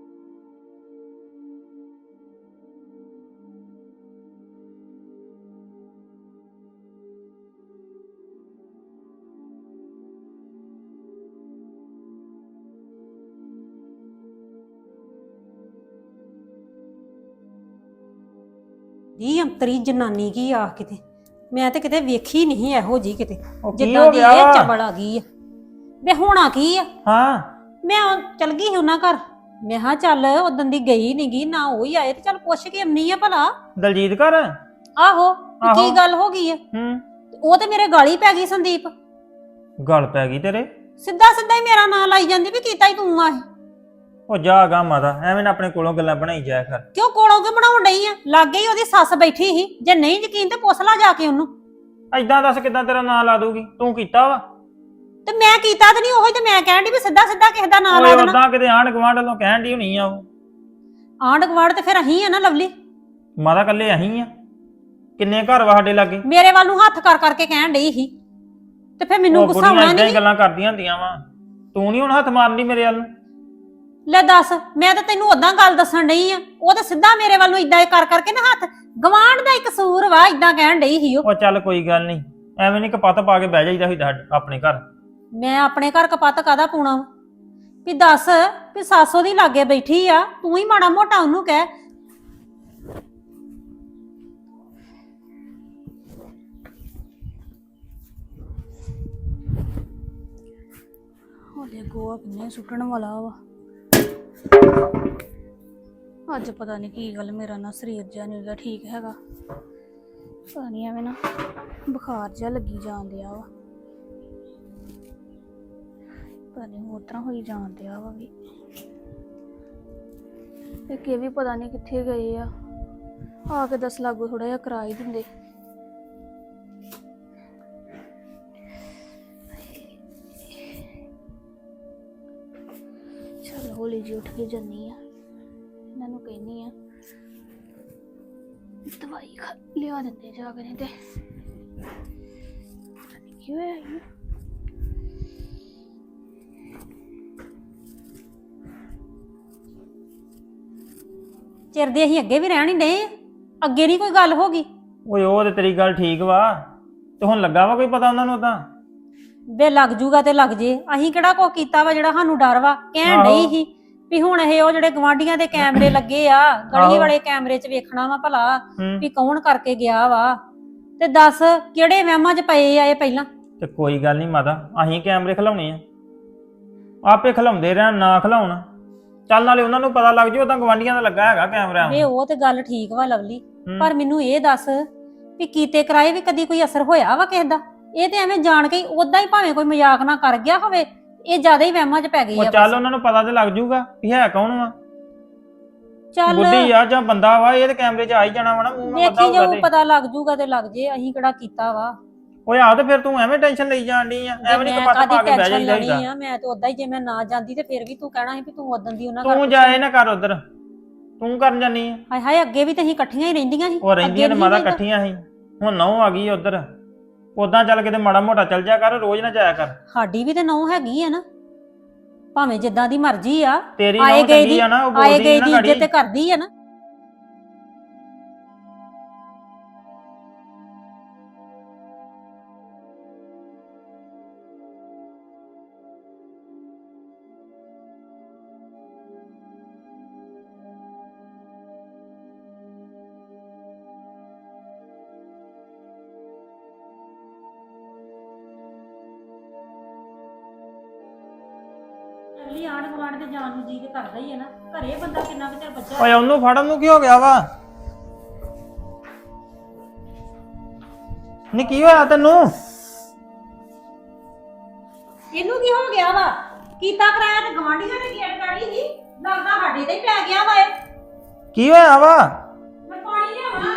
Speaker 1: ਦੀ ਅੰਤਰੀ ਜਨਾਨੀ ਕੀ ਆ ਕਿਤੇ, ਮੈਂ ਤੇ ਕਿਤੇ ਵੇਖੀ ਨਹੀਂ ਇਹੋ ਜੀ ਕਿਤੇ,
Speaker 3: ਉਹ ਕੀ
Speaker 1: ਜਿੱਦਾਂ
Speaker 3: ਹੋ
Speaker 1: ਦੀ
Speaker 3: ਗਿਆ
Speaker 1: ਇਹ
Speaker 3: ਵਾ?
Speaker 1: ਚਬਲ ਆ ਗਈ ਆ। ਵੇ ਹੋਣਾ ਕੀ ਆ,
Speaker 3: ਹਾਂ
Speaker 1: ਮੈਂ ਉਹ ਚਲ ਗਈ ਸੀ ਉਹਨਾਂ ਘਰ। ਮੈਂ ਹਾਂ ਚੱਲ ਉਦੋਂ ਦੀ ਗਈ ਨੀ ਗੀ, ਨਾ ਉਹ ਹੀ ਆਏ ਤੇ ਚੱਲ ਪੁੱਛ ਕੇ ਆਉਣੀ ਆ ਭਲਾ।
Speaker 3: ਦਲਜੀਤ ਘਰ।
Speaker 1: ਆਹੋ ਵੀ
Speaker 3: ਆਹੋ।
Speaker 1: ਕੀ ਗੱਲ ਹੋ ਗਈ ਆ।
Speaker 3: ਹੂੰ,
Speaker 1: ਉਹ ਤੇ ਮੇਰੇ ਗਾਲੀ ਪੈ ਗਈ ਸੰਦੀਪ,
Speaker 3: ਗੱਲ ਪੈ ਗਈ ਤੇਰੇ।
Speaker 1: ਸਿੱਧਾ ਸਿੱਧਾ ਹੀ ਮੇਰਾ ਨਾਂ ਲਾਈ ਜਾਂਦੀ ਵੀ ਕੀਤਾ ਹੀ ਤੂੰ ਆ ਇਹ।
Speaker 3: ਉਹ ਜਾ ਗਾ ਮਾਤਾ, ਐਵੇਂ ਨਾ ਆਪਣੇ ਕੋਲੋਂ ਗੱਲਾਂ ਬਣਾਈ ਜਾਇਆ ਕਰ।
Speaker 1: ਕਿਉਂ ਕੋਲੋਂ ਕਿਉਂ ਬਣਾਉਣ ਡਈ ਆ? ਲਾਗੇ ਹੀ ਉਹਦੀ ਸੱਸ ਬੈਠੀ ਸੀ, ਜੇ ਨਹੀਂ ਯਕੀਨ ਤੇ ਪੁੱਛ ਲਾ ਜਾ ਕੇ ਉਹਨੂੰ।
Speaker 3: ਐਦਾਂ ਦੱਸ ਕਿਦਾਂ ਤੇਰਾ ਨਾਂ ਲਾ ਦੂਗੀ? ਤੂੰ ਕੀਤਾ ਵਾ?
Speaker 1: ਤੇ ਮੈਂ ਕੀਤਾ ਤੇ ਨਹੀਂ, ਉਹੀ ਤੇ ਮੈਂ ਕਹਿਣ ਡਈ ਵੀ ਸਿੱਧਾ ਸਿੱਧਾ ਕਿਸੇ ਦਾ ਨਾਂ ਲਾ
Speaker 3: ਓਏ
Speaker 1: ਦੇਣਾ।
Speaker 3: ਉਦਾਂ ਕਿਤੇ ਆਂਢ ਗੁਆਂਢ ਵੱਲੋਂ ਕਹਿਣ ਦੀ ਹੋਣੀ ਆ ਉਹ।
Speaker 1: ਆਂਢ ਗੁਆਂਢ ਤੇ ਫਿਰ ਅਹੀਂ ਆ ਨਾ ਲਵਲੀ।
Speaker 3: ਮਾਤਾ ਕੱਲੇ ਅਹੀਂ ਆ, ਕਿੰਨੇ ਘਰ ਵਾ ਸਾਡੇ ਲਾਗੇ।
Speaker 1: ਮੇਰੇ ਵੱਲ ਨੂੰ ਹੱਥ ਕਰ ਕਰਕੇ ਕਹਿਣ ਡਈ ਸੀ ਤੇ ਫਿਰ ਮੈਨੂੰ
Speaker 3: ਉਹ
Speaker 1: ਗੁੱਸਾ
Speaker 3: ਬੁੜੀਆਂ
Speaker 1: ਆਉਣਾ
Speaker 3: ਏਦਾਂ ਹੀ
Speaker 1: ਨਹੀਂ।
Speaker 3: ਗੱਲਾਂ ਕਰਦੀਆਂ ਹੁੰਦੀਆਂ ਵਾ। ਤੂੰ ਨਹੀਂ ਹੁਣ ਹੱਥ ਮਾਰਨੀ ਮੇਰੇ ਵੱਲ ਨੂੰ।
Speaker 1: ਲੈ ਦੱਸ, ਮੈਂ ਤਾਂ ਤੈਨੂੰ ਉਦਾਂ ਗੱਲ ਦੱਸਣ ਡਈ ਆ, ਉਹ ਤਾਂ ਸਿੱਧਾ ਮੇਰੇ ਵੱਲ ਨੂੰ ਇਦਾਂ ਕਰ ਕਰਕੇ ਨਾ ਹੱਥ। ਗਵਾਂਢ ਦਾ ਇੱਕ ਕਸੂਰ ਵਾ, ਇਦਾਂ ਕਹਿਣ ਡਈ ਸੀ ਉਹ।
Speaker 3: ਉਹ ਚੱਲ ਕੋਈ ਗੱਲ ਨਹੀਂ, ਐਵੇਂ ਨਹੀਂ ਕਪੱਤ ਪਾ ਕੇ ਬਹਿ ਜਾਈਦਾ ਹੁੰਦਾ ਆਪਣੇ ਘਰ।
Speaker 1: ਮੈਂ ਆਪਣੇ ਘਰ ਕਪੱਤ ਕਾਹਦਾ ਪਾਉਣਾ ਵਾ? ਵੀ ਦੱਸ ਵੀ ਸਾਸੋ ਦੀ ਲਾਗੇ ਬੈਠੀ ਆ, ਤੂੰ ਹੀ ਮਾੜਾ ਮੋਟਾ ਉਹਨੂੰ ਕਹਿ।
Speaker 5: ਹੋਲੇ ਗੋਆ ਕਿੰਨੇ ਸੁੱਟਣ ਵਾਲਾ ਵਾ। ਅੱਜ ਪਤਾ ਨਹੀਂ ਕੀ ਗੱਲ, ਮੇਰਾ ਨਾ ਸਰੀਰ ਜਿਹਾ ਨਹੀਂ ਗਾ ਠੀਕ ਹੈਗਾ। ਪਤਾ ਨਹੀਂ ਐਵੇਂ ਨਾ ਬੁਖਾਰ ਜਿਹਾ ਲੱਗੀ ਜਾਣ ਡਿਆ ਵਾ। ਪਤਾ ਨਹੀਂ ਹੋਰ ਤਰ੍ਹਾਂ ਹੋਈ ਜਾਣ ਡਿਆ ਵਾ ਵੀ। ਇੱਕ ਇਹ ਵੀ ਪਤਾ ਨਹੀਂ ਕਿੱਥੇ ਗਏ ਆ। ਆ ਕੇ ਦਸ ਲਾਗੂ ਥੋੜਾ ਜਿਹਾ ਕਰਾ ਹੀ ਦਿੰਦੇ। ਚਲ ਹੌਲੀ ਜਿਹੀ ਉੱਠ ਕੇ ਜਾਨੀ ਆ, ਇਹਨਾਂ ਨੂੰ ਕਹਿੰਨੀ ਆ ਦਵਾਈ ਖਾ ਲਿਆ ਦਿੰਦੇ ਜਾ ਕੇ, ਨਹੀਂ ਤੇ ਪਤਾ ਨੀ ਕੀ ਹੋਇਆ ਇਹਨੂੰ।
Speaker 1: ਚਿਰ ਦੇ ਅਸੀਂ ਅੱਗੇ ਵੀ ਰਹਿਣ ਹੀ ਡਏ ਆ, ਅੱਗੇ ਨਹੀਂ ਕੋਈ ਗੱਲ ਹੋ ਗਈ।
Speaker 3: ਓਏ ਉਹ ਤੇ ਤੇਰੀ ਗੱਲ ਠੀਕ ਵਾ, ਤੇ ਹੁਣ ਲੱਗਾ ਵਾ ਕੋਈ ਪਤਾ ਉਹਨਾਂ ਨੂੰ ਤਾਂ?
Speaker 1: ਵੇ ਲੱਗ ਜੂਗਾ ਤੇ ਲੱਗ ਜੇ, ਅਸੀਂ ਕਿਹੜਾ ਕੋ ਕੀਤਾ ਵਾ ਜਿਹੜਾ ਸਾਨੂੰ ਡਰ ਵਾ। ਕਹਿਣ
Speaker 3: ਆਹੋ।
Speaker 1: ਡਈ ਸੀ ਵੀ ਹੁਣ ਇਹ ਉਹ ਜਿਹੜੇ ਗਵਾਂਢੀਆਂ ਦੇ ਕੈਮਰੇ ਲੱਗੇ ਆ, ਗਲੀ
Speaker 3: ਆਹੋ।
Speaker 1: ਵਾਲੇ ਕੈਮਰੇ 'ਚ ਵੇਖਣਾ ਵਾ ਭਲਾ
Speaker 3: ਹੂੰ
Speaker 1: ਵੀ ਕੌਣ ਕਰਕੇ ਗਿਆ ਵਾ। ਤੇ ਦੱਸ ਕਿਹੜੇ ਵਹਿਮਾਂ 'ਚ ਪਏ ਆ ਇਹ ਪਹਿਲਾਂ।
Speaker 3: ਤੇ ਕੋਈ ਗੱਲ ਨਹੀਂ ਮਾਤਾ, ਅਸੀਂ ਕੈਮਰੇ ਖਿਲਾਉਣੇ ਆ, ਆਪੇ ਖਿਲਾਉਂਦੇ ਰਹਿਣ ਨਾ ਖਿਲਾਉਣ। ਚੱਲ ਨਾਲੇ ਉਹਨਾਂ ਨੂੰ ਪਤਾ ਲੱਗ ਜੂ ਉਦਾਂ ਗਵਾਂਢੀਆਂ ਦਾ ਲੱਗਾ ਹੈਗਾ ਕੈਮਰਾ।
Speaker 1: ਵੇ ਉਹ ਤੇ ਗੱਲ ਠੀਕ ਵਾ ਲਵਲੀ,
Speaker 3: ਹੂੰ।
Speaker 1: ਪਰ ਮੈਨੂੰ ਇਹ ਦੱਸ ਵੀ ਕੀਤੇ ਕਰਾਏ ਵੀ ਕਦੀ ਕੋਈ ਅਸਰ ਹੋਇਆ ਵਾ ਕਿਸੇ ਦਾ? ਇਹ ਤੇ ਐਵੇਂ ਜਾਣ ਕੇ ਉਦਾਂ ਹੀ ਭਾਵੇਂ ਕੋਈ ਮਜ਼ਾਕ ਨਾ ਕਰ ਗਿਆ ਹੋਵੇ, ਇਹ ਜ਼ਿਆਦਾ ਹੀ ਵਹਿਮਾਂ 'ਚ ਪੈ ਗਈ
Speaker 3: ਉਹ
Speaker 1: ਆ।
Speaker 3: ਚੱਲ
Speaker 1: ਬਸ।
Speaker 3: ਉਹਨਾਂ ਨੂੰ ਪਤਾ ਤੇ ਲੱਗ ਜੂਗਾ ਵੀ ਹੈ ਕੌਣ ਵਾ,
Speaker 1: ਚੱਲ
Speaker 3: ਬੁੱਢੀ ਆ ਜਾਂ ਬੰਦਾ ਵਾ, ਇਹ ਤੇ ਕੈਮਰੇ 'ਚ ਆ ਹੀ ਜਾਣਾ ਵਾ ਨਾ, ਮੂੰਹ ਨਾਲ ਪਤਾ
Speaker 1: ਦੇਖੀ
Speaker 3: ਹੋਊਗਾ
Speaker 1: ਜਾਊ,
Speaker 3: ਤੇ।
Speaker 1: ਪਤਾ ਲੱਗ ਜੂਗਾ ਤੇ ਲੱਗ ਜੇ, ਅਸੀਂ ਕਿਹੜਾ ਕੀਤਾ ਵਾ।
Speaker 3: ਓਏ ਆਹ ਤੇ ਫਿਰ ਤੂੰ ਐਵੇਂ ਟੈਨਸ਼ਨ ਲਈ ਜਾਣ ਡਈ ਆ, ਐਵੇਂ ਨਹੀਂ
Speaker 1: ਮੈਂ
Speaker 3: ਕਪੱਤ
Speaker 1: ਕਾਹਦੀ
Speaker 3: ਪਾ ਕੇ ਬਹਿ
Speaker 1: ਟੈਨਸ਼ਨ
Speaker 3: ਜਾਈਦਾ
Speaker 1: ਲੈਣੀ
Speaker 3: ਹੁੰਦਾ।
Speaker 1: ਆ, ਮੈਂ ਤੇ ਉਦਾਂ ਹੀ ਜੇ ਮੈਂ ਨਾ ਜਾਂਦੀ ਤੇ ਫਿਰ ਵੀ ਤੂੰ ਕਹਿਣਾ ਸੀ ਵੀ ਤੂੰ ਉਦੋਂ ਦੀ ਉਹਨਾਂ ਘਰ
Speaker 3: ਤੂੰ ਜਾਏ ਨਾ ਕਰ ਉਧਰ, ਤੂੰ ਕਰਨ ਜਾਨੀ ਆ।
Speaker 1: ਹਾਏ ਹਾਏ, ਅੱਗੇ ਵੀ ਤੇ ਅਸੀਂ ਇਕੱਠੀਆਂ ਹੀ ਰਹਿੰਦੀਆਂ ਸੀ।
Speaker 3: ਉਹ ਰਹਿੰਦੀਆਂ ਨੇ
Speaker 1: ਅੱਗੇ
Speaker 3: ਮਾਤਾ
Speaker 1: ਨਹੀਂ
Speaker 3: ਇਕੱਠੀਆਂ ਸੀ, ਹੁਣ ਨਹੁੰ ਆ ਗਈ ਉਧਰ। ਉਦਾਂ ਚੱਲ ਕਿਤੇ ਮਾੜਾ ਮੋਟਾ ਚੱਲ ਜਾ ਕਰ, ਰੋਜ਼ ਨਾ ਜਾਇਆ ਕਰ।
Speaker 1: ਸਾਡੀ ਵੀ ਤੇ ਨਹੁੰ ਹੈਗੀ ਆ ਨਾ, ਭਾਵੇਂ ਜਿੱਦਾਂ ਦੀ ਮਰਜ਼ੀ ਆ।
Speaker 3: ਤੇਰੀ
Speaker 1: ਆਏ
Speaker 3: ਨਹੁੰ
Speaker 1: ਗਏ
Speaker 3: ਚੰਗੀ
Speaker 1: ਦੀ
Speaker 3: ਆ ਨਾ, ਉਹ
Speaker 1: ਆਏ
Speaker 3: ਬੋਲਦੀ
Speaker 1: ਗਏ
Speaker 3: ਨਾ
Speaker 1: ਦੀ
Speaker 3: ਗਾੜੀ।
Speaker 1: ਇੱਜ਼ਤ ਤੇ ਕਰਦੀ ਆ ਨਾ। ਅਗਲੀ ਆਣ ਗਵਾਂਢ ਦੇ ਜਾਣ ਨੂੰ ਜੀ ਤੇ ਕਰਦਾ ਹੀ ਹੈ ਨਾ, ਘਰੇ ਬੰਦਾ ਕਿੰਨਾ ਕੁ ਚਿਰ ਬੱਚਾ।
Speaker 3: ਓਏ ਉਹਨੂੰ ਫੜਨ ਨੂੰ ਕੀ ਹੋ ਗਿਆ ਵਾ? ਨੀ ਕੀ ਹੋਇਆ ਤੈਨੂੰ?
Speaker 1: ਇਹਨੂੰ ਕੀ ਹੋ ਗਿਆ ਵਾ? ਕੀਤਾ ਕਰਾਇਆ ਤੇ ਗਵਾਂਢੀਆਂ ਨੇ ਗੇਟ ਕਾੜੀ ਸੀ, ਲੱਗਦਾ ਸਾਡੇ ਤੇ ਹੀ ਪੈ ਗਿਆ ਵਾ ਇਹ।
Speaker 3: ਕੀ ਹੋਇਆ ਵਾ?
Speaker 1: ਮੈਂ ਪਾਣੀ ਲਿਆਵਾਂ?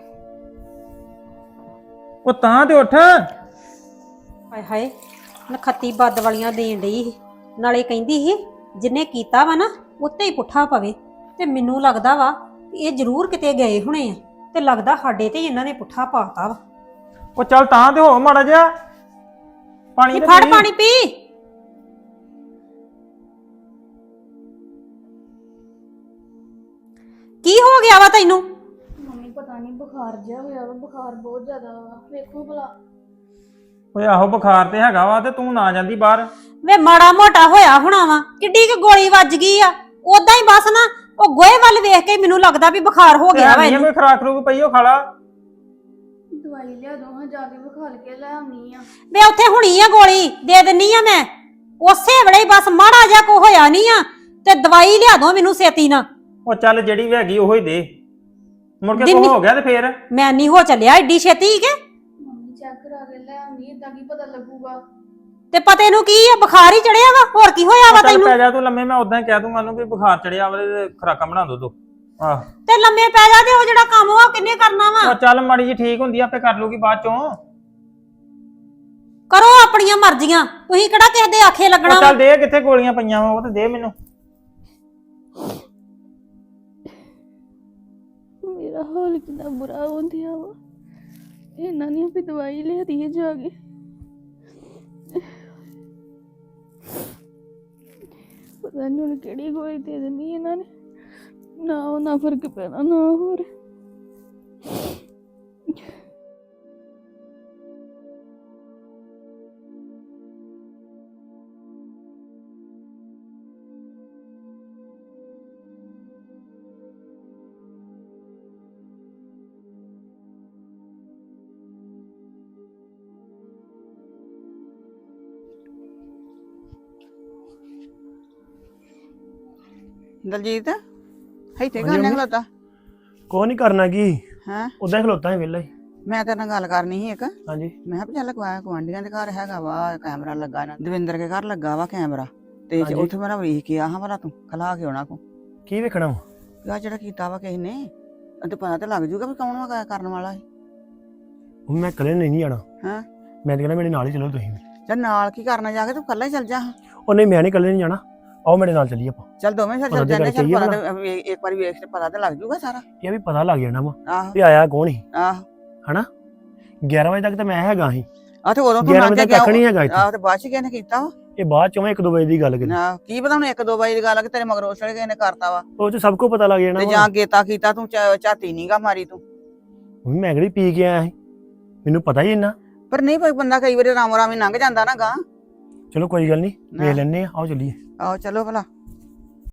Speaker 3: ਉਹ ਤਾਂ ਤੇ ਉੱਠ।
Speaker 1: ਹਾਏ ਹਾਏ, ਨਖੱਤੀ ਬੱਦ ਵਾਲੀਆਂ ਦੇਣ ਡਈ ਸੀ, ਨਾਲੇ ਕਹਿੰਦੀ ਸੀ ਜਿੰਨੇ ਕੀਤਾ ਵਾ ਨਾ ਉੱਤੇ ਹੀ ਪੁੱਠਾ ਪਵੇ। ਤੇ ਮੈਨੂੰ ਲੱਗਦਾ ਵਾ ਇਹ ਜ਼ਰੂਰ ਕਿਤੇ ਗਏ ਹੋਣੇ ਆ, ਤੇ ਲੱਗਦਾ ਸਾਡੇ ਤੇ ਹੀ ਇਹਨਾਂ ਨੇ ਪੁੱਠਾ ਪਾਤਾ ਵਾ।
Speaker 3: ਉਹ ਚੱਲ ਤਾਂ ਤੇ ਹੋ ਮਾੜਾ ਜਿਹਾ ਪਾਣੀ
Speaker 1: ਨੀ
Speaker 3: ਤੇ
Speaker 1: ਫੜ
Speaker 3: ਪੀ।
Speaker 1: ਪਾਣੀ ਪੀ। ਕੀ ਹੋ ਗਿਆ ਵਾ ਤੈਨੂੰ?
Speaker 5: ਮੰਮੀ ਪਤਾ ਨਹੀਂ ਬੁਖਾਰ ਜਿਹਾ ਹੋਇਆ ਵਾ, ਬੁਖਾਰ ਬਹੁਤ ਜ਼ਿਆਦਾ ਵਾ। ਵੇਖੋ ਭਲਾ।
Speaker 3: ਓਏ ਆਹੋ ਬੁਖਾਰ ਤੇ ਹੈਗਾ ਵਾ, ਤੇ ਤੂੰ ਨਾ ਜਾਂਦੀ ਬਾਹਰ।
Speaker 1: ਵੇ ਮਾੜਾ ਮੋਟਾ ਹੋਇਆ ਹੋਣਾ ਵਾ, ਕਿੱਡੀ ਕੁ ਗੋਲੀ ਵੱਜ ਗਈ ਆ। ਉਦਾਂ ਹੀ ਬਸ ਨਾ ਉਹ ਗੋਹੇ ਵੱਲ ਵੇਖ ਕੇ ਮੈਨੂੰ ਲੱਗਦਾ ਵੀ ਬੁਖਾਰ ਹੋ ਗਿਆ ਵਾ
Speaker 3: ਨਹੀਂ
Speaker 1: ਇਹਨੂੰ।
Speaker 3: ਕੋਈ ਖਰਾਕ ਰੂਕ ਪਈ ਉਹ ਖਾਲਾ।
Speaker 5: ਦਵਾਈ ਲਿਆ ਦੋ ਹਾਂ, ਜਾ ਕੇ ਵਿਖਾਲ ਕੇ ਲੈ ਆਉਣੀ ਆ।
Speaker 1: ਵੇ ਉੱਥੇ ਹੁਣੀ ਆ ਗੋਲੀ, ਦੇ ਦਿੰਨੀ ਆ ਮੈਂ ਉਸੇ ਵੇਲੇ ਹੀ। ਬਸ ਮਾੜਾ ਜਿਹਾ ਕੋ ਹੋਇਆ ਨਹੀਂ ਆ ਤੇ ਦਵਾਈ ਲਿਆ ਦੋ ਮੈਨੂੰ ਛੇਤੀ ਨਾ।
Speaker 3: ਉਹ ਚੱਲ ਜਿਹੜੀ ਵੀ ਹੈਗੀ ਉਹੀ ਦੇ, ਮੁੜ ਕੇ
Speaker 1: ਦਿੰਨੀ-
Speaker 3: ਕੋ ਹੋ ਗਿਆ ਤੇ ਫੇਰ।
Speaker 1: ਮੈਂ ਨਹੀਂ ਹੋ ਚੱਲਿਆ ਏਡੀ ਛੇਤੀ ਕਿ।
Speaker 5: ਮੰਮੀ ਚੈੱਕ ਕਰਾ ਕੇ ਲੈ ਆਉਣੀ, ਏਦਾਂ ਕੀ ਪਤਾ ਲੱਗੂਗਾ।
Speaker 1: ਤੇ ਪਤੇ ਨੂੰ ਕੀ ਆ, ਬੁਖਾਰ ਹੀ ਚੜਿਆ ਵਾ, ਹੋਰ ਕੀ ਹੋਇਆ ਵਾ
Speaker 3: ਚੱਲ
Speaker 1: ਤੈਨੂੰ?
Speaker 3: ਪੈ ਜਾ ਤੂੰ ਲੰਮੇ, ਮੈਂ ਉਦਾਂ ਹੀ ਕਹਿ ਦੂੰਗਾ ਉਹਨੂੰ ਵੀ ਬੁਖਾਰ ਚੜਿਆ ਵਾ ਤੇ ਖਰਾਕਾਂ ਬਣਾ ਦੋ ਦੋ। ਆਹ
Speaker 1: ਤੇ ਲੰਮੇ ਪੈ ਜਾ, ਤੇ ਉਹ ਜਿਹੜਾ ਕੰਮ ਵਾ ਉਹ ਕਿੰਨੇ ਕਰਨਾ ਵਾ?
Speaker 3: ਉਹ ਚੱਲ ਮਾੜੀ ਜੀ ਠੀਕ ਹੁੰਦੀ ਆ, ਆਪੇ ਕਰ ਲੂਗੀ ਬਾਅਦ ਚੋਂ।
Speaker 1: ਕਰੋ ਆਪਣੀਆਂ ਮਰਜ਼ੀਆਂ, ਤੁਸੀਂ ਕਿਹੜਾ ਕਿਸੇ ਦੇ ਆਖੇ ਲੱਗਣਾ
Speaker 3: ਉਹ
Speaker 1: ਵਾ?
Speaker 3: ਚੱਲ ਦੇ, ਕਿੱਥੇ ਗੋਲੀਆਂ ਪਈਆਂ ਵਾ ਉਹ ਤੇ ਦੇ ਮੈਨੂੰ।
Speaker 5: ਮੇਰਾ ਹਾਲ ਕਿੰਨਾ ਬੁਰਾ ਹੁੰਦਿਆ ਵਾ। ਇਹਨਾਂ ਨੇ ਵੀ ਦਵਾਈ ਲਿਆਦੀ ਹੈ ਜਾ ਕੇ। ਪਤਾ ਨਹੀਂ ਹੁਣ ਕਿਹੜੀ ਗੋਲੀ ਦੇ ਦੇਣੀ ਇਹਨਾਂ ਨੇ, ਨਾ ਉਹ ਨਾ ਫਰਕ ਪੈਣਾ ਨਾ ਹੋਰ।
Speaker 2: ਦਲਜੀਤ ਇੱਥੇ ਗਾਣੇ ਖਲੋਤਾ
Speaker 6: ਕੋ ਨਹੀਂ ਕਰਨਾ ਕੀ
Speaker 2: ਹੈ?
Speaker 6: ਉਦਾਂ ਹੀ ਖਲੋਤਾ ਹੈ ਵਿਹਲਾ ਹੀ।
Speaker 2: ਮੈਂ ਤੇਰੇ ਨਾਲ ਗੱਲ ਕਰਨੀ ਸੀ ਇੱਕ।
Speaker 6: ਹਾਂਜੀ
Speaker 2: ਮੈਂ ਕਿਹਾ ਵੀ ਚੱਲ ਗਵਾ ਗੁਆਂਢੀਆਂ ਦੇ ਘਰ ਹੈਗਾ ਵਾ ਕੈਮਰਾ ਲੱਗਾ ਇਹਨਾਂ ਦਵਿੰਦਰ ਦੇ ਘਰ ਲੱਗਾ ਵਾ ਕੈਮਰਾ ਤੇ
Speaker 6: ਹਾਂਜੀ।
Speaker 2: ਉੱਥੇ ਮੇਰਾ ਵੇਖ ਕੇ ਆ ਹਾਂ ਭਲਾ ਤੂੰ ਖਲਾ ਕੇ ਉਹਨਾਂ ਕੋ
Speaker 6: ਕੀ ਵੇਖਣਾ ਵਾ?
Speaker 2: ਆ ਜਿਹੜਾ ਕੀਤਾ ਵਾ ਕਿਸੇ ਨੇ ਤੇ ਪਤਾ ਤੇ ਲੱਗ ਜੂਗਾ ਵੀ ਕੌਣ ਵਾ ਕਰਨ ਵਾਲਾ ਹੈ।
Speaker 6: ਹੁਣ ਮੈਂ ਇਕੱਲੇ ਨਹੀਂ ਜਾਣਾ।
Speaker 2: ਹਾਂ
Speaker 6: ਮੈਂ ਤਾਂ ਕਹਿੰਦਾ ਮੇਰੇ ਨਾਲ ਹੀ ਚਲੋ ਤੁਸੀਂ ਵੀ।
Speaker 2: ਚੱਲ ਨਾਲ ਕੀ ਕਰਨਾ ਜਾ ਕੇ ਤੂੰ ਇਕੱਲਾ ਹੀ ਚੱਲ ਜਾ।
Speaker 6: ਉਹ ਨਹੀਂ ਮੈਂ ਨਹੀਂ ਇਕੱਲੇ ਨਹੀਂ ਜਾਣਾ, ਆਓ ਮੇਰੇ ਨਾਲ ਚੱਲੀਏ ਆਪਾਂ।
Speaker 2: ਚੱਲ ਦੋਵੇਂ ਫਿਰ
Speaker 6: ਪਤਾ
Speaker 2: ਚੱਲ
Speaker 6: ਤੇ
Speaker 2: ਜਾਂਦੇ ਚੱਲ
Speaker 6: ਚਾਹੀਏ
Speaker 2: ਪਤਾ
Speaker 6: ਨਾ।
Speaker 2: ਤੇ ਵੇ- ਇੱਕ ਵਾਰੀ ਵੇਖ ਤੇ ਪਤਾ ਤੇ ਲੱਗ ਜੂਗਾ ਸਾਰਾ।
Speaker 6: ਇਹ ਵੀ ਪਤਾ ਲੱਗ ਜਾਣਾ ਵਾ
Speaker 2: ਆਹੋ
Speaker 6: ਵੀ ਆਇਆ ਕੌਣ ਸੀ,
Speaker 2: ਆਹੋ
Speaker 6: ਹਨਾ। ਗਿਆਰਾਂ ਵਜੇ ਤੱਕ ਤਾਂ ਮੈਂ ਹੈਗਾ ਸੀ,
Speaker 2: ਆ ਤੇ ਉਦੋਂ ਤੂੰ
Speaker 6: ਗਿਆਰਾਂ
Speaker 2: ਲੰਘ
Speaker 6: ਵਜੇ
Speaker 2: ਗਿਆ
Speaker 6: ਤੱਕ ਨਹੀਂ ਹੈਗਾ ਇੱਥੇ।
Speaker 2: ਆਹ ਤੇ ਬਾਅਦ ਚ ਕਿਹਨੇ ਕੀਤਾ ਵਾ
Speaker 6: ਇਹ ਬਾਅਦ ਚੋਂ ਇੱਕ ਦੋ ਵਜੇ ਦੀ ਗੱਲ ਕਰੀ।
Speaker 2: ਆਹ, ਕੀ ਪਤਾ ਹੁਣ ਇੱਕ ਦੋ ਵਾਰੀ ਦੀ ਗੱਲ ਆ ਕਿ ਤੇਰੇ ਮਗਰ ਉਸ ਵੇਲੇ ਕਿਸੇ ਨੇ ਕਰਤਾ ਵਾ
Speaker 6: ਉਹ ਚ ਸਭ ਕੁਝ ਪਤਾ ਲੱਗ ਜਾਣਾ
Speaker 2: ਤੇ
Speaker 6: ਵਾ।
Speaker 2: ਜਾਂ ਗੇਤਾ ਕੀਤਾ ਤੂੰ ਝਾ- ਝਾਤੀ ਨੀਗਾ ਮਾਰੀ ਤੂੰ।
Speaker 6: ਮੰਮੀ ਮੈਂ ਕਿਹੜੀ ਪੀ ਕੇ ਆਇਆ ਸੀ, ਮੈਨੂੰ ਪਤਾ ਹੀ ਇੰਨਾ।
Speaker 2: ਪਰ ਨਹੀਂ ਕੋਈ ਬੰਦਾ ਕਈ ਵਾਰੀ ਰਾਮ ਰਾਮ ਹੀ ਲੰਘ ਜਾਂਦਾ ਨਾ ਗਾਂ।
Speaker 6: ਚਲੋ ਕੋਈ ਗੱਲ ਨਹੀਂ,
Speaker 2: ਨਾ।
Speaker 6: ਵੇਖ ਲੈਣੇ ਆ, ਆਓ ਚੱਲੀਏ।
Speaker 2: ਆਹੋ ਚਲੋ ਭਲਾ।